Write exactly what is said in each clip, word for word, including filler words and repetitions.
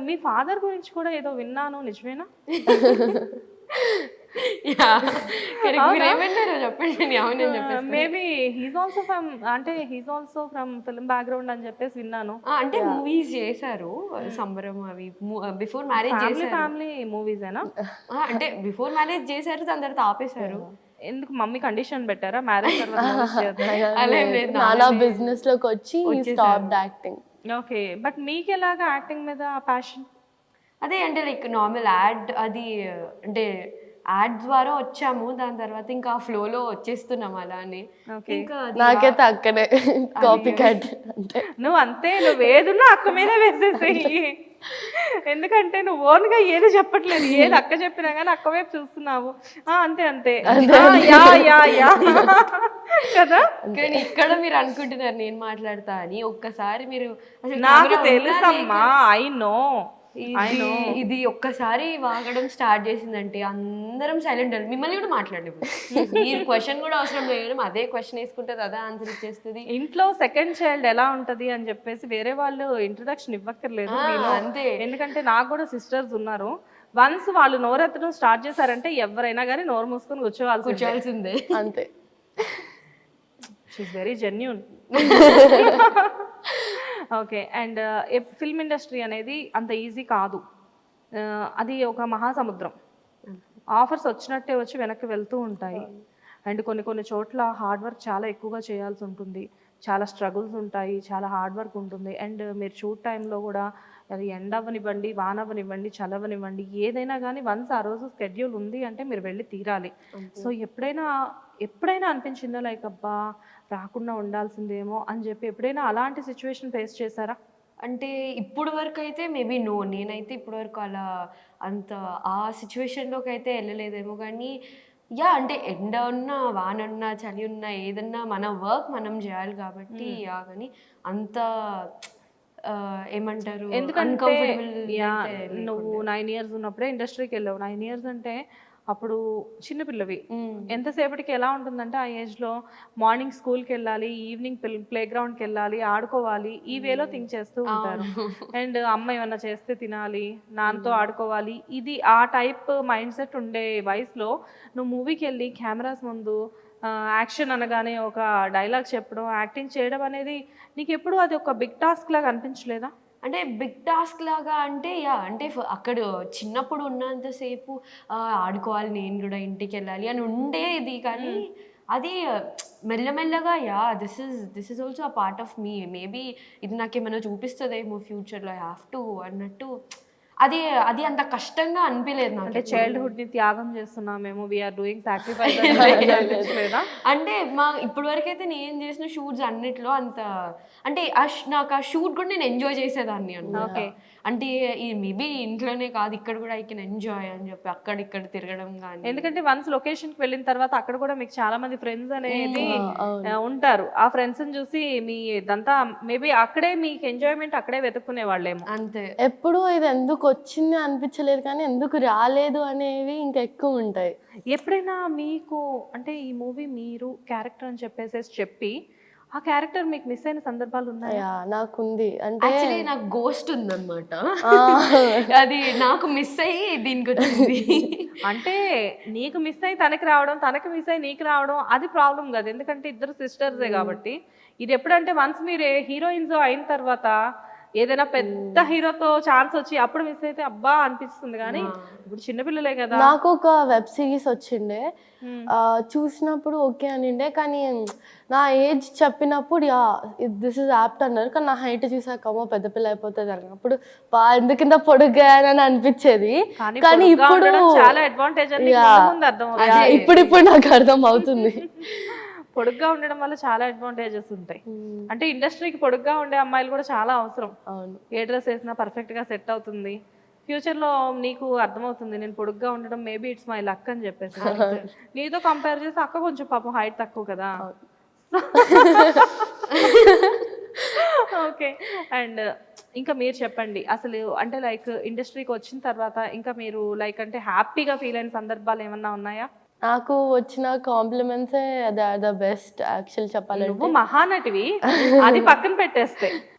మీ father గురించి కూడా ఏదో విన్నాను, నిజమేనా? మేబీ హీస్ ఆల్సో ఫ్రమ్, అంటే he's also from film background అని చెప్పేసి విన్నాను. అంటే మూవీస్ చేశారు, సంబరం అవి బిఫోర్ మ్యారేజ్ ఫ్యామిలీ చేశారు. ఫ్యామిలీ మూవీసేనా? అంటే బిఫోర్ మ్యారేజ్ చేశారు, దాని తర్వాత ఆపేశారు. ఎందుకు మమ్మీ కండిషన్ పెట్టారా మ్యారేజ్ తర్వాత? నానా బిజినెస్ లోకి వచ్చి స్టాప్డ్ యాక్టింగ్. ఓకే, బట్ మీకు ఎలాగా యాక్టింగ్ మీద ప్యాషన్? అదే అంటే లైక్ నార్మల్ యాడ్, అది అంటే యాడ్ ద్వారా వచ్చాము, దాని తర్వాత ఇంకా ఫ్లోలో వచ్చేస్తున్నాం అలా అని. ఇంకా నాకైతే అక్కడే కాపీ క్యాట్. అంటే నువ్వు అంతే, నువ్వు ఏదున్నా అక్క మీద వేసేసేయి. ఎందుకంటే నువ్వు ఓన్ గా ఏది చెప్పట్లేదు, ఏది అక్క చెప్పినా కానీ అక్క వైపు చూస్తున్నావు. అంతే అంతే యా యా యా కదా. కానీ ఇక్కడ మీరు అనుకుంటున్నారు నేను మాట్లాడతా అని. ఒక్కసారి మీరు నాకు తెలుసమ్మా, ఐ నో ఇది ఒక్కసారి వాగడం స్టార్ట్ చేసిందంటే అందరం సైలెంట్. మిమ్మల్ని కూడా మాట్లాడలేదు, మీరు క్వశ్చన్ కూడా అవసరం లేదు, అదే క్వశ్చన్ వేసుకుంటుంది, అదే ఆన్సర్ ఇచ్చేస్తుంది. ఇంట్లో సెకండ్ చైల్డ్ ఎలా ఉంటది అని చెప్పేసి వేరే వాళ్ళు ఇంట్రొడక్షన్ ఇవ్వక్కర్లేదు అంతే. ఎందుకంటే నాకు కూడా సిస్టర్స్ ఉన్నారు. వన్స్ వాళ్ళు నోరెత్తడం స్టార్ట్ చేశారంటే ఎవరైనా కానీ నోరు మూసుకొని కూర్చోవాలి కూర్చోవాల్సిందే అంతే. She's very genuine. Okay, and film industry అనేది అంత ఈజీ కాదు, అది ఒక మహాసముద్రం. ఆఫర్స్ వచ్చినట్టే వచ్చి వెనక్కి వెళ్తూ ఉంటాయి. అండ్ కొన్ని కొన్ని చోట్ల హార్డ్ వర్క్ చాలా ఎక్కువగా చేయాల్సి ఉంటుంది, చాలా స్ట్రగుల్స్ ఉంటాయి, చాలా హార్డ్ వర్క్ ఉంటుంది. అండ్ మీరు షూట్ టైంలో కూడా అది ఎండ అవ్వనివ్వండి, వాన అవ్వనివ్వండి, చలవనివ్వండి, ఏదైనా కానీ వన్స్ ఆ రోజు స్కెడ్యూల్ ఉంది అంటే మీరు వెళ్ళి తీరాలి. సో ఎప్పుడైనా ఎప్పుడైనా అనిపించిందా లైక్ అబ్బా రాకుండా ఉండాల్సిందేమో అని చెప్పి ఎప్పుడైనా అలాంటి సిచ్యువేషన్ ఫేస్ చేశారా? అంటే ఇప్పుడు వరకు అయితే మేబీ నో, నేనైతే ఇప్పుడు వరకు అలా అంత ఆ సిచ్యువేషన్లోకి అయితే వెళ్ళలేదేమో. కానీ యా అంటే ఎండ ఉన్నా, వాన ఉన్నా, చలి ఉన్నా, ఏదన్నా మన వర్క్ మనం చేయాలి కాబట్టి యా. కానీ అంత ఏమంటారు, ఎందుకంటే నువ్వు నైన్ ఇయర్స్ ఉన్నప్పుడే ఇండస్ట్రీకి వెళ్ళావు. నైన్ ఇయర్స్ అంటే అప్పుడు చిన్నపిల్లవి, ఎంతసేపటికి ఎలా ఉంటుందంటే ఆ ఏజ్లో మార్నింగ్ స్కూల్కి వెళ్ళాలి, ఈవినింగ్ ప్లే గ్రౌండ్కి వెళ్ళాలి, ఆడుకోవాలి, ఈ వేలో థింక్ చేస్తూ ఉంటారు. అండ్ అమ్మ ఏమన్నా చేస్తే తినాలి, నాన్నతో ఆడుకోవాలి, ఇది ఆ టైప్ మైండ్ సెట్ ఉండే వయసులో నువ్వు మూవీకి వెళ్ళి కెమెరాస్ ముందు యాక్షన్ అనగానే ఒక డైలాగ్ చెప్పడం, యాక్టింగ్ చేయడం అనేది నీకు ఎప్పుడు అది ఒక బిగ్ టాస్క్ లాగా అనిపించలేదా? అంటే బిగ్ టాస్క్ లాగా అంటే యా, అంటే అక్కడ చిన్నప్పుడు ఉన్నంతసేపు ఆడుకోవాలి, నేను కూడా ఇంటికి వెళ్ళాలి అని ఉండేది. కానీ అది మెల్లమెల్లగా yeah this is this is also a part of me, maybe ఇది నాకేమైనా చూపిస్తుందేమో ఫ్యూచర్లో, ఐ హ్యావ్ టు అన్నట్టు. అది అది అంత కష్టంగా అనిపించలేదు నాకు. అంటే చైల్డ్హుడ్ ని త్యాగం చేస్తున్నామేమో, వీఆర్ డూయింగ్ సాక్రిఫైస్ అంటే మా ఇప్పుడు వరకు అయితే నేను చేసిన షూట్స్ అన్నిట్లో అంత అంటే నాకు ఆ షూట్ కూడా నేను ఎంజాయ్ చేసేదాన్ని అన్నమాట. అంటే ఈ మేబీ ఇంట్లోనే కాదు, ఇక్కడ కూడా ఐ కెన్ ఎంజాయ్ అని చెప్పి అక్కడ ఇక్కడ తిరగడం కానీ. ఎందుకంటే వన్స్ లొకేషన్కి వెళ్ళిన తర్వాత అక్కడ కూడా మీకు చాలా మంది ఫ్రెండ్స్ అనేది ఉంటారు. ఆ ఫ్రెండ్స్ చూసి మీ ఇదంతా మేబీ అక్కడే మీకు ఎంజాయ్మెంట్ అక్కడే వెతుక్కునే వాళ్ళేమో. అంతే. ఎప్పుడు ఇది ఎందుకు వచ్చింది అనిపించలేదు, కానీ ఎందుకు రాలేదు అనేవి ఇంకా ఎక్కువ ఉంటాయి. ఎప్పుడైనా మీకు అంటే ఈ మూవీ మీరు క్యారెక్టర్ అని చెప్పేసి చెప్పి ఆ క్యారెక్టర్ మీకు మిస్ అయిన సందర్భాలు ఉన్నాయా? నాకుంది. అంటే యాక్చువల్లీ నాకు గోస్ట్ ఉందన్నమాట, అది నాకు మిస్ అయ్యి దీనికి వచ్చింది. అంటే నీకు మిస్ అయ్యి తనకి రావడం, తనకి మిస్ అయ్యి నీకు రావడం అది ప్రాబ్లం కాదు, ఎందుకంటే ఇద్దరు సిస్టర్సే కాబట్టి. ఇది ఎప్పుడంటే వన్స్ మీరు హీరోయిన్స్ అయిన తర్వాత ఏదైనా పెద్ద హీరోతో ఛాన్స్ వచ్చి అప్పుడు మిస్ అయితే అబ్బా అనిపిస్తుంది. కానీ ఇప్పుడు చిన్నపిల్లలే కదా. నాకు ఒక వెబ్ సిరీస్ వచ్చిండే, చూసినప్పుడు ఓకే అనిండే, కానీ నా ఏజ్ చెప్పినప్పుడు యా దిస్ ఇస్ యాప్ట్ అన్నారు. కానీ నా హైట్ చూసాకమ్మో పెద్ద పిల్ల అయిపోతుంది అన్నప్పుడు బా ఎందుకింత పొడుగ్గానని అనిపించేది. కానీ ఇప్పుడు చాలా అడ్వాంటేజ్ ఇప్పుడు ఇప్పుడు నాకు అర్థం అవుతుంది. పొడుగ్గా ఉండడం వల్ల చాలా అడ్వాంటేజెస్ ఉంటాయి. అంటే ఇండస్ట్రీకి పొడుగ్గా ఉండే అమ్మాయిలు కూడా చాలా అవసరం. ఏ డ్రెస్ వేసినా పర్ఫెక్ట్ గా సెట్ అవుతుంది. ఫ్యూచర్ లో నీకు అర్థమవుతుంది నేను పొడుగ్గా ఉండడం మేబీ ఇట్స్ మై లక్ అని చెప్పేసి. నీతో కంపేర్ చేస్తే అక్క కొంచెం పాపం హైట్ తక్కువ కదా. ఓకే, అండ్ ఇంకా మీరు చెప్పండి అసలు అంటే లైక్ ఇండస్ట్రీకి వచ్చిన తర్వాత ఇంకా మీరు లైక్ అంటే హ్యాపీగా ఫీల్ అయిన సందర్భాలు ఏమన్నా ఉన్నాయా? నాకు వచ్చిన కాంప్లిమెంట్సే they are the best actual చెప్పాలంటే. నువ్వు మహానటివి, అది పక్కన పెట్టేస్తే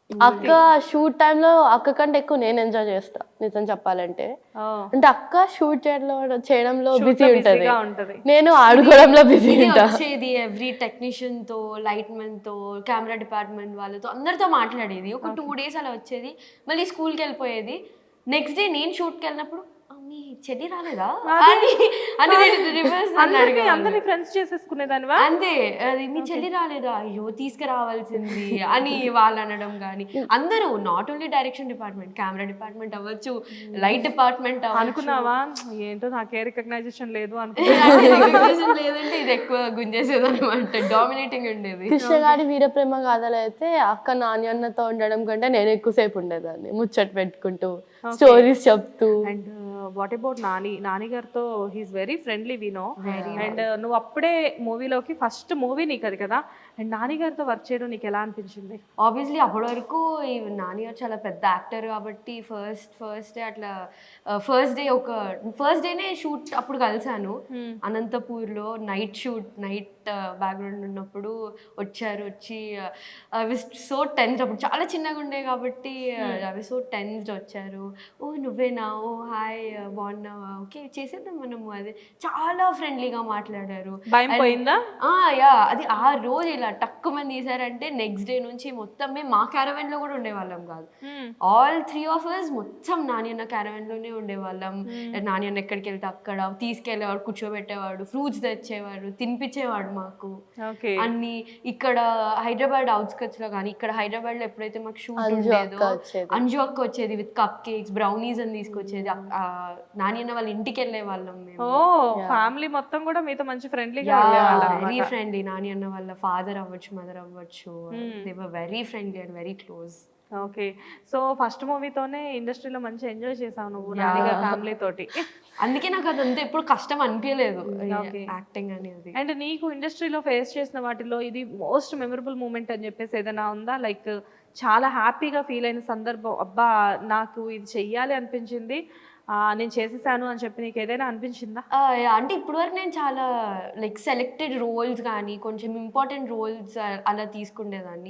అక్క షూట్ టైంలో అక్క కంటే ఎక్కువ నేను ఎంజాయ్ చేస్తా నిజం చెప్పాలంటే. అంటే అక్క షూట్ చేయడంలో చేయడంలో బిజీ ఉంటది, ఉంటది నేను ఆడుకోవడంలో బిజీ ఇది ఉంటా. వచ్చేది ఎవ్రీ టెక్నీషియన్ తో, లైట్ మెన్ తో, కెమెరా డిపార్ట్మెంట్ వాళ్ళతో అందరితో మాట్లాడేది. ఒక టూ డేస్ అలా వచ్చేది, మళ్ళీ స్కూల్కి వెళ్ళిపోయేది. నెక్స్ట్ డే నేను షూట్కి వెళ్ళినప్పుడు మీ చెల్లి రాలేదా అని అని రివర్స్ అందరినీ ఫ్రెండ్స్ చేసేసుకునేదానివా? అంతే, అది మీ చెల్లి రాలేదా, అయ్యో తీసుకురావాల్సింది అని వాళ్ళు అనడం. కానీ అందరూ not only direction department, camera department అవ్వచ్చు, లైట్ డిపార్ట్మెంట్ అనుకున్నావా ఏంటో నాకే రికగ్నైజేషన్ లేదు అనుకున్నా లేదంటే ఇది ఎక్కువ గుంజేసేది అనమాట, డామినేటింగ్ ఉండేది. కృష్ణగాడి వీరప్రేమ గాథలు అయితే అక్క నాని అన్నతో ఉండడం కంటే నేను ఎక్కువసేపు ఉండేదాన్ని ముచ్చట పెట్టుకుంటూ స్టోరీస్ చెప్తూ. And what about Nani? Nani గారితో he's very friendly we know. And నువ్వు అప్పుడే మూవీలోకి ఫస్ట్ మూవీ నీకు అది కదా, అండ్ నాని గారితో వర్క్ చేయడం నీకు ఎలా అనిపించింది? ఆబ్వియస్లీ అప్పటి వరకు ఈ నాని గారు చాలా పెద్ద యాక్టర్ కాబట్టి ఫస్ట్ ఫస్ట్ డే అట్లా ఫస్ట్ డే ఒక ఫస్ట్ డేనే షూట్ అప్పుడు కలిసాను అనంతపూర్లో. నైట్ షూట్, నైట్ బ్యాక్గ్రౌండ్ ఉన్నప్పుడు వచ్చారు. వచ్చి అవి సో టెన్స్డ్, అప్పుడు చాలా చిన్నగా ఉండే కాబట్టి అవి సో టెన్స్డ్ వచ్చారు. ఓ నువ్వేనా, ఓ హాయ్ బాగున్నావా, ఓకే చేసేద్దాం మనము, అది చాలా ఫ్రెండ్లీగా మాట్లాడారు. భయం పోయిందా? యా, అది ఆ రోజు ఇలా టక్కు మంది తీసారంటే నెక్స్ట్ డే నుంచి మొత్తం మేము మా క్యారవెన్ లో కూడా ఉండేవాళ్ళం కాదు. ఆల్ త్రీ ఆఫ్ అస్ మొత్తం నాని అన్న క్యారవెన్ లోనే ఉండేవాళ్ళం. నాని అన్న ఎక్కడికి వెళ్తే అక్కడ తీసుకెళ్లేవాడు, కూర్చోబెట్టేవాడు, ఫ్రూట్స్ తెచ్చేవాడు, తినిపించేవాడు మాకు అన్ని. ఇక్కడ హైదరాబాద్ అవుట్స్కట్స్ లో కానీ ఇక్కడ హైదరాబాద్ లో ఎప్పుడైతే మాకు షూట్ ఉండేదో అంజు అక్క వచ్చేది విత్ కప్ కేక్స్, బ్రౌనీస్ అని తీసుకొచ్చేది. నాని అన్న వాళ్ళ ఇంటికి వెళ్ళే వాళ్ళం మేము. ఓ ఫ్యామిలీ మొత్తం కూడా మీతో మంచి ఫ్రెండ్లీగా వెరీ ఫ్రెండ్లీ. నాని అన్న వాళ్ళ ఫాదర్ అవ్వచ్చు, మదర్ అవ్వచ్చు, they were very friendly and very close. Okay, so first మూవీతోనే ఇండస్ట్రీలో మంచి ఎంజాయ్ చేసావు నువ్వు నాని గారి ఫ్యామిలీ తోటి. అందుకే నాకు అదంతా ఎప్పుడు కష్టం అనిపించలేదు యాక్టింగ్ అనేది. అండ్ నీకు ఇండస్ట్రీలో ఫేస్ చేసిన వాటిలో ఇది మోస్ట్ మెమరబుల్ మూమెంట్ అని చెప్పేసి ఏదైనా ఉందా? లైక్ చాలా హ్యాపీగా ఫీల్ అయిన సందర్భం, అబ్బా నాకు ఇది చెయ్యాలి అనిపించింది, నేను చేసేసాను అని చెప్పి నీకు ఏదైనా అనిపించిందా? అంటే ఇప్పుడు వరకు నేను చాలా లైక్ సెలెక్టెడ్ రోల్స్ కానీ కొంచెం ఇంపార్టెంట్ రోల్స్ అలా తీసుకునేదాన్ని.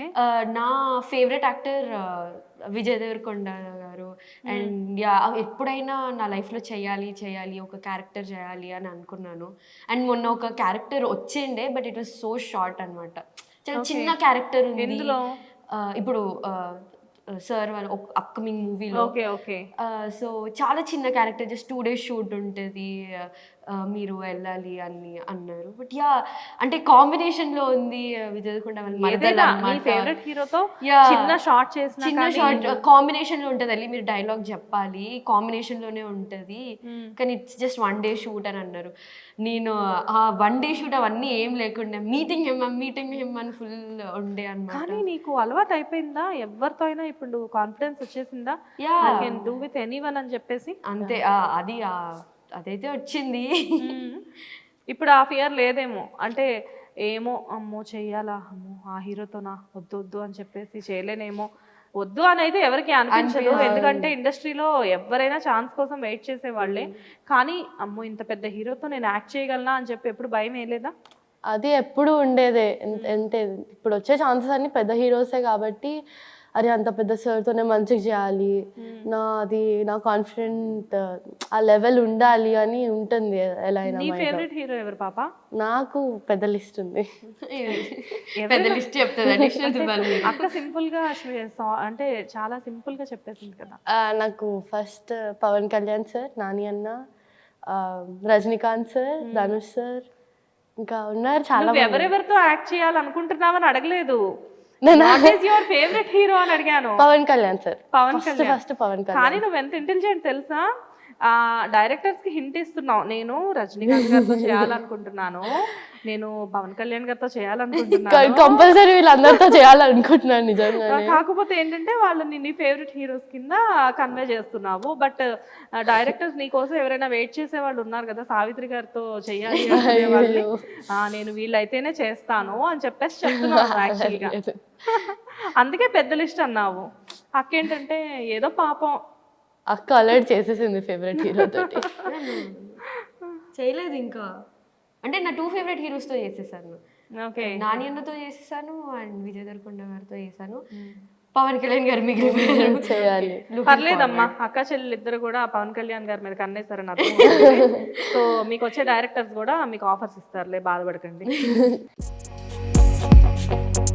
నా ఫేవరెట్ యాక్టర్ విజయ్ దేవరకొండ గారు. అండ్ యా ఎప్పుడైనా నా లైఫ్లో చేయాలి చేయాలి ఒక క్యారెక్టర్ చేయాలి అని అనుకున్నాను. అండ్ మొన్న ఒక క్యారెక్టర్ వచ్చిండే, but it was so short అనమాట, చాలా చిన్న క్యారెక్టర్ ఉంది. ఇప్పుడు సార్ వాళ్ళ అప్కమింగ్ మూవీలో సో చాలా చిన్న character, just two days shoot ఉంటుంది, మీరు వెళ్ళాలి అని అన్నారు. బట్ యా అంటే కాంబినేషన్ లో ఉంది విజయ్ దేవరకొండ చిన్న షార్ట్ చేసిన చిన్న షార్ట్ కాంబినేషన్ లో ఉంటది, వెళ్ళి మీరు డైలాగ్ చెప్పాలి, కాంబినేషన్ లోనే ఉంటది, కానీ it's just one day shoot అని అన్నారు. నేను ఆ వన్ డే షూట్ అవన్నీ ఏం లేకుండా మీటింగ్ హిమ్ మీటింగ్ హిమ్ అని ఫుల్ ఉండే అన్నమాట. కానీ నీకు అలవాటు అయిపోయిందా? ఎవరితో అయినా ఇప్పుడు కాన్ఫిడెన్స్ వచ్చేసిందా? Yeah I can do with anyone అని చెప్పేసి. అంతే, అది అదైతే వచ్చింది. ఇప్పుడు ఆ ఫియర్ లేదేమో, అంటే ఏమో అమ్మో చెయ్యాలా, అమ్మో ఆ హీరోతోనా, వద్దు వద్దు అని చెప్పేసి చేయలేనేమో, వద్దు అని అయితే ఎవరికి అనిపించదు. ఎందుకంటే ఇండస్ట్రీలో ఎవరైనా ఛాన్స్ కోసం వెయిట్ చేసే వాళ్ళే. కానీ అమ్మో ఇంత పెద్ద హీరోతో నేను యాక్ట్ చేయగలనా అని చెప్పి ఎప్పుడు భయం వేయలేదా? అది ఎప్పుడు ఉండేదే. అంటే ఇప్పుడు వచ్చే ఛాన్సెస్ అన్ని పెద్ద హీరోసే కాబట్టి అరే అంత పెద్ద సార్తోనే మంచిగా చేయాలి, నా అది నా కాన్ఫిడెంట్ ఆ లెవెల్ ఉండాలి అని ఉంటుంది ఎలా అయినా. నీ ఫేవరెట్ హీరో ఎవరు పాప? నాకు పెద్ద లిస్ట్ ఉంది. పెద్ద లిస్ట్ చెప్తుంది అక్క సింపుల్ గా, అంటే చాలా సింపుల్ గా చెప్పేసింది కదా. నాకు ఫస్ట్ పవన్ కళ్యాణ్ సార్, నాని అన్న, రజనీకాంత్ సార్, ధనుష్ సార్, ఇంకా ఉన్నారు చాలా. ఎవరెవరితో యాక్ట్ చేయాలనుకుంటున్నావని అడగలేదు, ఫేవరెట్ హీరో అని అడిగాను. పవన్ కళ్యాణ్ సార్. పవన్ కళ్యాణ్ ఫస్ట్ పవన్ కళ్యాణ్. కానీ నువ్వు ఎంత ఇంటెలిజెంట్ తెలుసా, ఆ డైరెక్టర్స్ కి హింట్ ఇస్తున్నావు. నేను రజనీకాంత్ గారితో చేయాలనుకుంటున్నాను, నేను పవన్ కళ్యాణ్ గారితో చేయాలనుకుంటున్నాను, కంపల్సరీ వీళ్ళందరితో చేయాలనుకుంటున్నాను నిజంగా. కాకపోతే ఏంటంటే వాళ్ళని నీ ఫేవరెట్ హీరోస్ కింద కన్వే చేస్తున్నావు. బట్ డైరెక్టర్స్ నీ కోసం ఎవరైనా వెయిట్ చేసే వాళ్ళు ఉన్నారు కదా, సావిత్రి గారితో చెయ్యాలి వాళ్ళు, నేను వీళ్ళైతేనే చేస్తాను అని చెప్పేసి చెప్తున్నాను యాక్చువల్గా. అందుకే పెద్ద లిస్ట్ అన్నావు. అక్కేంటంటే ఏదో పాపం అక్క ఆల్రెడీ చేసేసింది ఫేవరెట్ హీరో తోటి. చేయలేదు ఇంకా, అంటే నా టూ ఫేవరెట్ హీరోస్తో చేసేసాను. నాని అన్నతో చేసేసాను అండ్ విజయ్ దేవరకొండ గారితో చేశాను. పవన్ కళ్యాణ్ గారు మిగిలిపోయారు. చేయాలి. పర్లేదమ్మా, అక్క చెల్లెలు ఇద్దరు కూడా పవన్ కళ్యాణ్ గారి మీద కన్నేసారని అర్థం. సో మీకు వచ్చే డైరెక్టర్స్ కూడా మీకు ఆఫర్స్ ఇస్తారులే, బాధపడకండి.